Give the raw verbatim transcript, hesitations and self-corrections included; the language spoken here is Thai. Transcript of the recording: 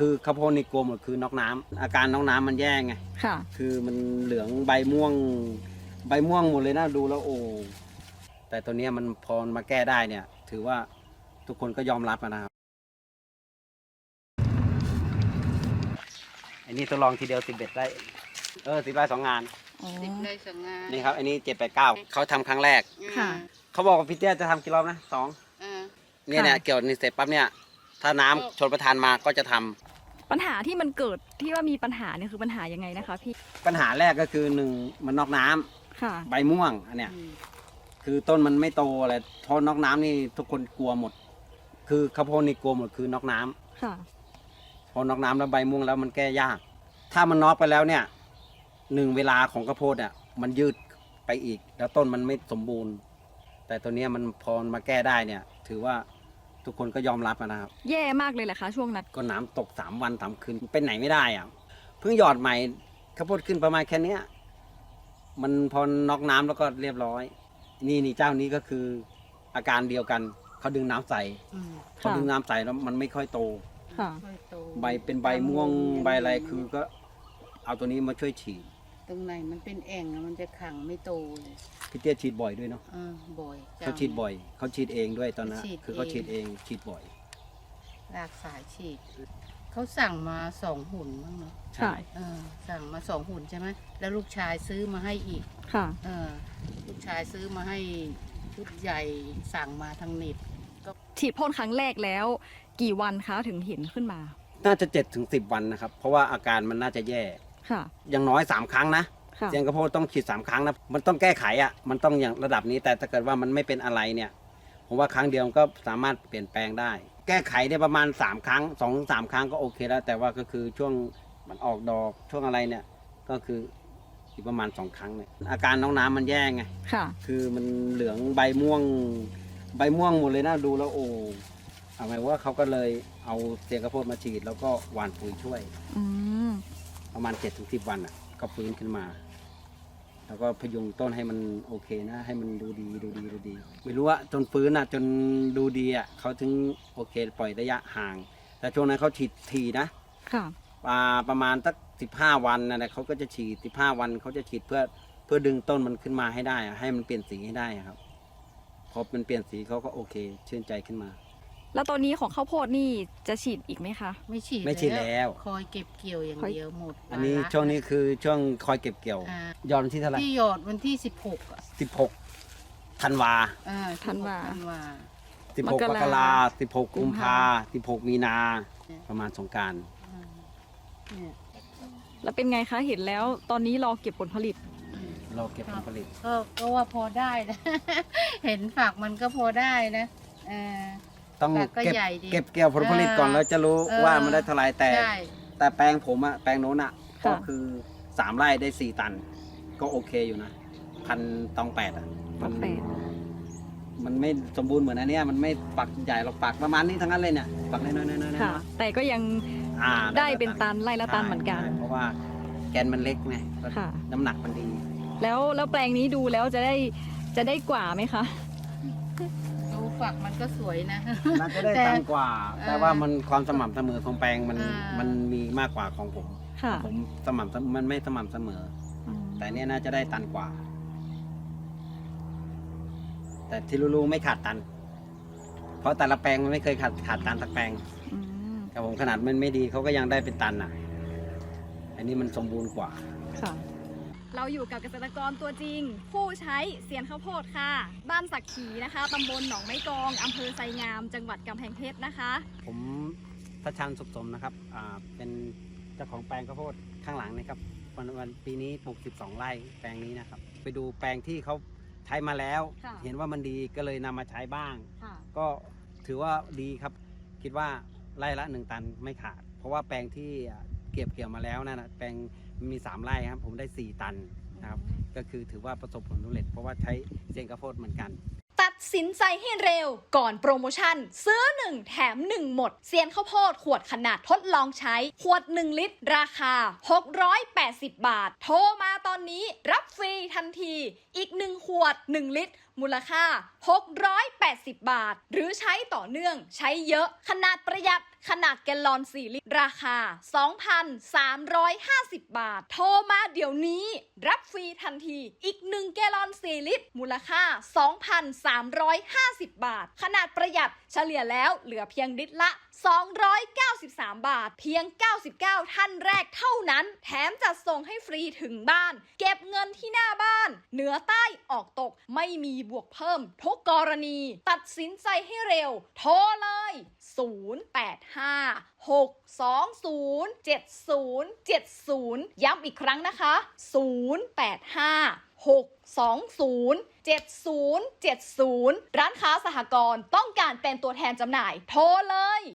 คือข้าวโพดนี่กลัวหมดคือน็อกน้ำอาการน็อกน้ำมันแย่ไงค่ะคือมันเหลืองใบม่วงใบม่วงหมดเลยนะดูแล้วโอ้แต่ตัวนี้มันพอมาแก้ได้เนี่ยถือว่าทุกคนก็ยอมรับนะครับอันนี้ทดลองทีเดียวสิบเอ็ดได้เออสิบได้สองงานสิบได้สองงานนี่ครับอันนี้เจ็ดแปดเก้าเขาทำครั้งแรกค่ะเขาบอกว่าพี่เตี้ยจะทำกี่รอบนะสองเนี่ยเนี่ยเกี่ยวนี่เสร็จปั๊บเนี่ยถ้าน้ำชนประทานมาก็จะทำปัญหาที่มันเกิดที่ว่ามีปัญหาเนี่ยคือปัญหายังไงนะคะพี่ปัญหาแรกก็คือหนึ่งมันนอกน้ำค่ะใบม่วงอันเนี้ยคือต้นมันไม่โตอะไรทอนอกน้ำนี่ทุกคนกลัวหมด คือข้าวโพดนี่กลัวหมดคือนอกน้ำค่ะพอนอกน้ำแล้วใบม่วงแล้วมันแก้ยาก ถ้ามันนอกไปแล้วเนี่ยหนึ่งเวลาของข้าวโพดอ่ะมันยืดไปอีกแล้วต้นมันไม่สมบูรณ์ แต่ตัวนี้มันพอมาแก้ได้เนี่ยถือว่าทุกคนก็ยอมรับนะครับแย่มากเลยแหละคะช่วงนั้นก็น้ำตกสามวันสามคืนเป็นไหนไม่ได้อ่ะเพิ่งหยอดใหม่ข้าวโพดขึ้นประมาณแค่นี้มันพอนอกน้ำแล้วก็เรียบร้อยนี่นี่เจ้านี้ก็คืออาการเดียวกันเขาดึงน้ำใส่เขาดึงน้ำใส่แล้วมันไม่ค่อยโตใบเป็นใบม่วงใบอะไรคือก็เอาตัวนี้มาช่วยฉีดตรงไหนมันเป็นแอ่งมันจะขังไม่โตเลยพี่เตี้ยฉีดบ่อยด้วยเนาะบ่อยเขาฉีดบ่อยเขาฉีดเองด้วยตอนนั้นคือเขาฉีดเองฉีดบ่อยรากสายฉีดเขาสั่งมาสองหุ่นมั้งเนาะใช่สั่งมาสองหุ่นใช่ไหมแล้วลูกชายซื้อมาให้อีกค่ะลูกชายซื้อมาให้ชุดใหญ่สั่งมาทางเน็ตก็ฉีดพ่นครั้งแรกแล้วกี่วันคะถึงเห็นขึ้นมาน่าจะเจ็ดถึงสิบวันนะครับเพราะว่าอาการมันน่าจะแย่ค่ะอย่างน้อยสามครั้งนะเสียงกระโพดต้องฉีดสามครั้งนะมันต้องแก้ไขอ่ะมันต้องอย่างระดับนี้แต่ถ้าเกิดว่ามันไม่เป็นอะไรเนี่ยผมว่าครั้งเดียวก็สามารถเปลี่ยนแปลงได้แก้ไขได้ประมาณสามครั้งสองสามครั้งก็โอเคแล้วแต่ว่าก็คือช่วงมันออกดอกช่วงอะไรเนี่ยก็คืออีกประมาณสองครั้งเนี่ยอาการน้องน้ำมันแย่ไงค่ะคือมันเหลืองใบม่วงใบม่วงหมดเลยนะดูแล้วโอ้เอาไงว่าเขาก็เลยเอาเสียงกระโพดมาฉีดแล้วก็หว่านปุ๋ยช่วยประมาณเจ็ดถึงสิบวันอ่ะก็ฟื้นขึ้นมาแล้วก็พยุงต้นให้มันโอเคนะให้มันดูดีดูดีดูดีไม่รู้ว่าจนฟื้นอ่ะจนดูดีอ่ะเขาถึงโอเคปล่อยระยะห่างแต่ช่วงนั้นเขาฉีดทีนะค่ะประมาณสักสิบห้าวันนะเขาก็จะฉีดสิบห้าวันเขาจะฉีดเพื่อเพื่อดึงต้นมันขึ้นมาให้ได้ให้มันเปลี่ยนสีให้ได้ครับพอมันเปลี่ยนสีเขาก็โอเคชื่นใจขึ้นมาแล้วตอนนี้ของข้าวโพดนี่จะฉีดอีกไหมคะไม่ฉีดไม่ฉีดแล้วคอยเก็บเกี่ยวอย่างเดียวหมดอันนี้ช่วงนี้คือช่วงคอยเก็บเกี่ยวหยอดวันที่เท่าไหร่ที่หยอดวันที่สิบหกสิบหกธันวาธันวาสิบหกมกราสิบหกกุมภาสิบหกมีนาประมาณสงกรานต์แล้วเป็นไงคะเห็นแล้วตอนนี้รอเก็บผลผลิตรอเก็บผลผลิตก็ก็ว่าพอได้นะเห็นฝักมันก็พอได้นะต้องเก็บเก็บเกี่ยวผลผลิตก่อนแล้วจะรู้ว่ามันได้เท่าไรแต่แต่แปลงผมอะแปลงโน้นอะก็คือสามไร่ได้สี่ตันก็โอเคอยู่นะพันตองแปดอะมันมันไม่สมบูรณ์เหมือนอันนี้มันไม่ปักใหญ่หรอกปักประมาณนี้ทั้งนั้นเลยเนี่ยปักน้อยๆๆๆแต่ก็ยังได้เป็นตันไร่ละตันเหมือนกันเพราะว่าแกนมันเล็กไงน้ำหนักมันดีแล้วแล้วแปลงนี้ดูแล้วจะได้จะได้กว่าไหมคะดูฝักมันก็สวยนะน่าจะได้ตันกว่าแต่ว่ามันความสม่ำเสมอของแปลงมันมันมีมากกว่าของผมผมสม่ำมันไม่สม่ำเสมอแต่เนี้ยน่าจะได้ตันกว่าแต่ที่รู้ๆไม่ขาดตันเพราะแต่ละแปลงมันไม่เคยขาดขาดตันสักแปลงแต่ผมขนาดมันไม่ดีเขาก็ยังได้เป็นตันอ่ะอันนี้มันสมบูรณ์กว่าค่ะเราอยู่กับเกษตรกรตัวจริงผู้ใช้เซียนข้าวโพดค่ะบ้านสักขีนะคะตำบลหนองไม้กองอำเภอไซงามจังหวัดกำแพงเพชรนะคะผมทัชชันสุขสมนะครับอ่าเป็นเจ้าของแปลงข้าวโพดข้างหลังนะครับวันวันปีนี้ปลูกสิบสองไร่แปลงนี้นะครับไปดูแปลงที่เขาใช้มาแล้วเห็นว่ามันดีก็เลยนำมาใช้บ้างก็ถือว่าดีครับคิดว่าไร่ละหนึ่งตันไม่ขาดเพราะว่าแปลงที่เก็บเกี่ยวมาแล้วนั่นนะแปลงมีสามไร่ครับผมได้สี่ตันนะครับก็คือถือว่าประสบผลสำเร็จเพราะว่าใช้เซียนข้าวโพดเหมือนกันตัดสินใจให้เร็วก่อนโปรโมชั่นซื้อหนึ่งแถมหนึ่งหมดเซียนข้าวโพดขวดขนาดทดลองใช้ขวดหนึ่งลิตรราคาหกร้อยแปดสิบบาทโทรมาตอนนี้รับฟรีทันทีอีกหนึ่งขวดหนึ่งลิตรมูลค่าหกร้อยแปดสิบบาทหรือใช้ต่อเนื่องใช้เยอะขนาดประหยัดขนาดแกลลอนสี่ลิตรราคา สองพันสามร้อยห้าสิบ บาท โทรมาเดี๋ยวนี้รับฟรีทันทีอีกหนึ่งแกลลอนสี่ลิตรมูลค่า สองพันสามร้อยห้าสิบ บาทขนาดประหยัดเฉลี่ยแล้วเหลือเพียงลิตรละสองร้อยเก้าสิบสาม บาทเพียงเก้าสิบเก้าท่านแรกเท่านั้นแถมจัดส่งให้ฟรีถึงบ้านเก็บเงินที่หน้าบ้านเหนือใต้ออกตกไม่มีบวกเพิ่มทุกกรณีตัดสินใจให้เร็วโทรเลยศูนย์ แปด ห้า หก สอง ศูนย์ เจ็ด ศูนย์ เจ็ด ศูนย์ย้ำอีกครั้งนะคะศูนย์ แปด ห้า หก สอง ศูนย์ เจ็ด ศูนย์ เจ็ด ศูนย์ร้านค้าสหกรณ์ต้องการเป็นตัวแทนจำหน่ายโทรเลย